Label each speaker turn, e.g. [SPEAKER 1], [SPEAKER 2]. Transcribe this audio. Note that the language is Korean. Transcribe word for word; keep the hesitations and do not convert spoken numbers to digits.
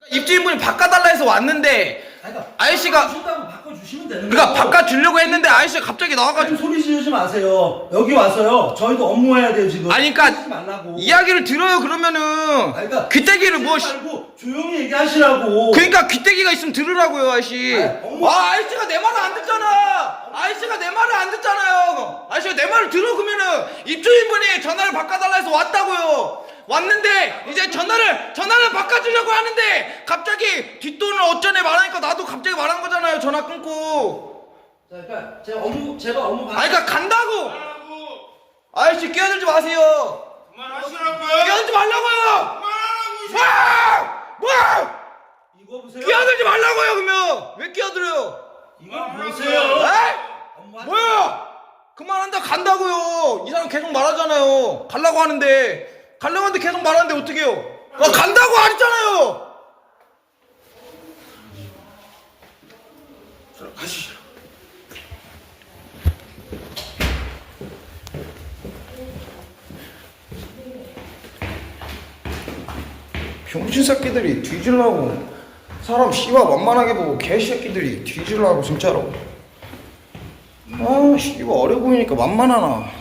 [SPEAKER 1] 입주인분이 바꿔달라 해서 왔는데
[SPEAKER 2] 그러니까
[SPEAKER 1] 아저씨가
[SPEAKER 2] 바꿔준다고 바꿔주시면 되는
[SPEAKER 1] 그러니까
[SPEAKER 2] 거예요.
[SPEAKER 1] 바꿔주려고 했는데 아저씨가 갑자기 나와가지고
[SPEAKER 2] 소리 지르지 마세요. 여기 와서요. 저희도 업무해야 돼요 지금.
[SPEAKER 1] 아니 그러니까
[SPEAKER 2] 하지 말라고.
[SPEAKER 1] 이야기를 들어요. 그러면은
[SPEAKER 2] 아니, 그러니까
[SPEAKER 1] 귀때기를 뭐
[SPEAKER 2] 하지 말고 조용히 얘기하시라고.
[SPEAKER 1] 그러니까 귀때기가 있으면 들으라고요 아저씨.
[SPEAKER 2] 아니, 업무-
[SPEAKER 1] 아 아저씨가 내 말을 안 듣잖아. 아저씨가 내 말을 안 듣잖아요. 아저씨가 내 말을 들어. 그러면은 입주인분이 전화를 바꿔달라 해서 왔다고요. 왔는데 이제 전화를 전화를 바꿔주려고 하는데 갑자기 뒷돈을 어쩌네 말하니까 나도 갑자기 말한 거잖아요. 전화 끊고.
[SPEAKER 2] 자, 그러니까 제가 업무 제가 업무 받.
[SPEAKER 1] 아니 그러니까 간다고. 아저씨 끼어들지 마세요.
[SPEAKER 3] 그만하시라고요.
[SPEAKER 1] 끼어들지 말라고요.
[SPEAKER 3] 그만하라고.
[SPEAKER 1] 와! 와!
[SPEAKER 2] 이거 보세요.
[SPEAKER 1] 끼어들지 말라고요. 그러면 왜 끼어들어요?
[SPEAKER 2] 이거 보세요.
[SPEAKER 1] 에?
[SPEAKER 2] 업무하지
[SPEAKER 1] 뭐야? 그만한다 간다고요. 이 사람 계속 말하잖아요. 갈라고 하는데 갈라고 하는데 계속 말하는데 어떡해요? 아, 간다고 안 했잖아요.
[SPEAKER 3] 가시죠.
[SPEAKER 1] 병신 새끼들이 뒤질라고 사람 씨발 만만하게 보고 개새끼들이 뒤질라고 진짜로. 아 씨발 어려 보이니까 만만하나.